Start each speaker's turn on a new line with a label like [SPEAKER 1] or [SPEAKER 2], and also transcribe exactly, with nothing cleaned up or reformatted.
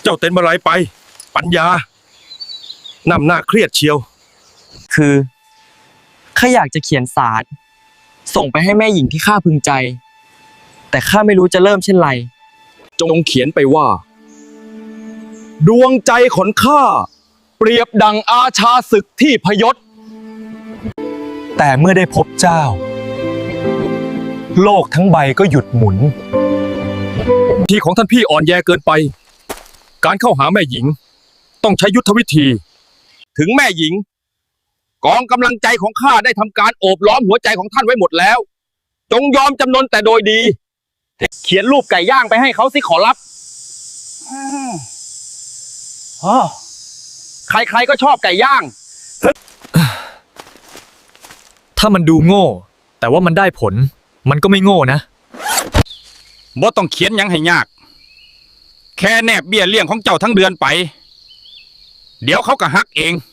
[SPEAKER 1] จ้าเต้นมาไรไปปัญญานำหน้าเครียดเชียว
[SPEAKER 2] คือข้าอยากจะเขียนสารส่งไปให้แม่หญิงที่ข้าพึงใจแต่ข้าไม่รู้จะเริ่มเช่นไร
[SPEAKER 1] จงเขียนไปว่าดวงใจของข้าเปรียบดังอาชาศึกที่พยศ
[SPEAKER 3] แต่เมื่อได้พบเจ้าโลกทั้งใบก็หยุดหมุน
[SPEAKER 1] ทีของท่านพี่อ่อนแยเกินไปการเข้าหาแม่หญิงต้องใช้ยุทธวิธีถึงแม่หญิงกองกำลังใจของข้าได้ทำการโอบล้อมหัวใจของท่านไว้หมดแล้วจงยอมจำนนแต่โดยดีเขียนรูปไก่ย่างไปให้เขาสิขอรับใครๆก็ชอบไก่ย่าง
[SPEAKER 3] ถ้ามันดูโง่แต่ว่ามันได้ผลมันก็ไม่โง่นะ
[SPEAKER 1] บ่ต้องเขียนยังให้ยากแค่แนบเบี้ยเลี้ยงของเจ้าทั้งเดือนไปเดี๋ยวเขาก็ฮักเอง